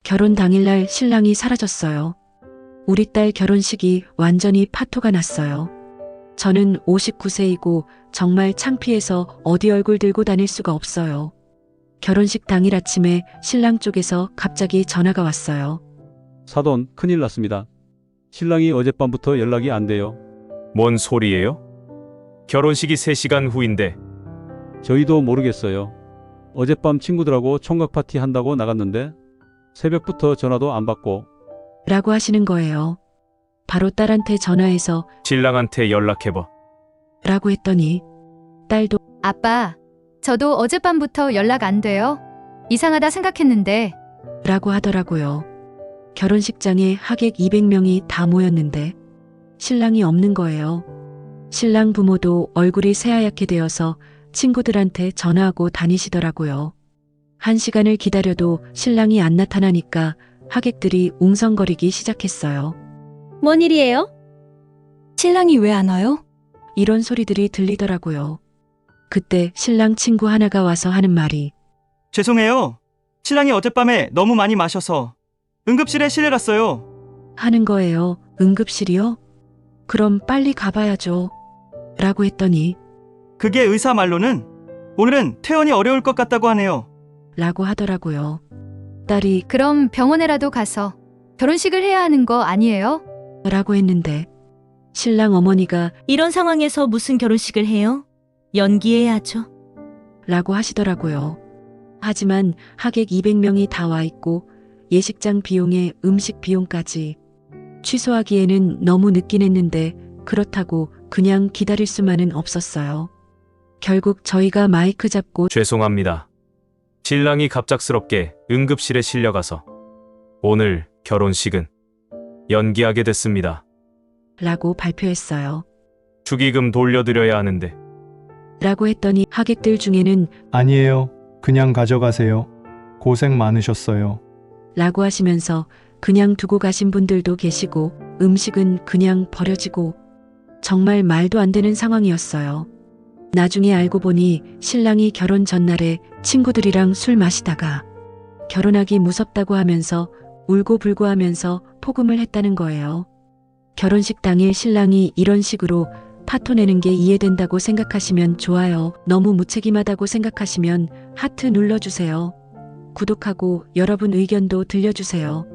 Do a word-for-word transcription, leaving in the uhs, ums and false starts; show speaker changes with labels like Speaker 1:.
Speaker 1: 결혼 당일날 신랑이 사라졌어요. 우리 딸 결혼식이 완전히 파토가 났어요. 저는 오십구 세이고 정말 창피해서 어디 얼굴 들고 다닐 수가 없어요. 결혼식 당일 아침에 신랑 쪽에서 갑자기 전화가 왔어요.
Speaker 2: 사돈, 큰일 났습니다. 신랑이 어젯밤부터 연락이 안 돼요.
Speaker 3: 뭔 소리예요? 결혼식이 세 시간 후인데.
Speaker 2: 저희도 모르겠어요. 어젯밤 친구들하고 총각 파티 한다고 나갔는데 새벽부터 전화도 안 받고.
Speaker 1: 라고 하시는 거예요. 바로 딸한테 전화해서
Speaker 3: 신랑한테 연락해봐.
Speaker 1: 라고 했더니 딸도
Speaker 4: 아빠, 저도 어젯밤부터 연락 안 돼요. 이상하다 생각했는데.
Speaker 1: 라고 하더라고요. 결혼식장에 하객 이백 명이 다 모였는데 신랑이 없는 거예요. 신랑 부모도 얼굴이 새하얗게 되어서 친구들한테 전화하고 다니시더라고요. 한 시간을 기다려도 신랑이 안 나타나니까 하객들이 웅성거리기 시작했어요.
Speaker 5: 뭔 일이에요? 신랑이 왜 안 와요?
Speaker 1: 이런 소리들이 들리더라고요. 그때 신랑 친구 하나가 와서 하는 말이
Speaker 6: 죄송해요. 신랑이 어젯밤에 너무 많이 마셔서 응급실에 실려갔어요.
Speaker 1: 하는 거예요. 응급실이요? 그럼 빨리 가봐야죠. 라고 했더니
Speaker 6: 그게 의사 말로는 오늘은 퇴원이 어려울 것 같다고 하네요.
Speaker 1: 라고 하더라고요. 딸이
Speaker 4: 그럼 병원에라도 가서 결혼식을 해야 하는 거 아니에요?
Speaker 1: 라고 했는데 신랑 어머니가
Speaker 5: 이런 상황에서 무슨 결혼식을 해요? 연기해야죠.
Speaker 1: 라고 하시더라고요. 하지만 하객 이백 명이 다 와 있고 예식장 비용에 음식 비용까지 취소하기에는 너무 늦긴 했는데 그렇다고 그냥 기다릴 수만은 없었어요. 결국 저희가 마이크 잡고
Speaker 3: 죄송합니다. 신랑이 갑작스럽게 응급실에 실려가서 오늘 결혼식은 연기하게 됐습니다.
Speaker 1: 라고 발표했어요.
Speaker 3: 축의금 돌려드려야 하는데.
Speaker 1: 라고 했더니 하객들 중에는
Speaker 7: 아니에요. 그냥 가져가세요. 고생 많으셨어요.
Speaker 1: 라고 하시면서 그냥 두고 가신 분들도 계시고 음식은 그냥 버려지고 정말 말도 안 되는 상황이었어요. 나중에 알고 보니 신랑이 결혼 전날에 친구들이랑 술 마시다가 결혼하기 무섭다고 하면서 울고불고 하면서 포금을 했다는 거예요. 결혼식 당일 신랑이 이런 식으로 파토 내는 게 이해된다고 생각하시면 좋아요. 너무 무책임하다고 생각하시면 하트 눌러주세요. 구독하고 여러분 의견도 들려주세요.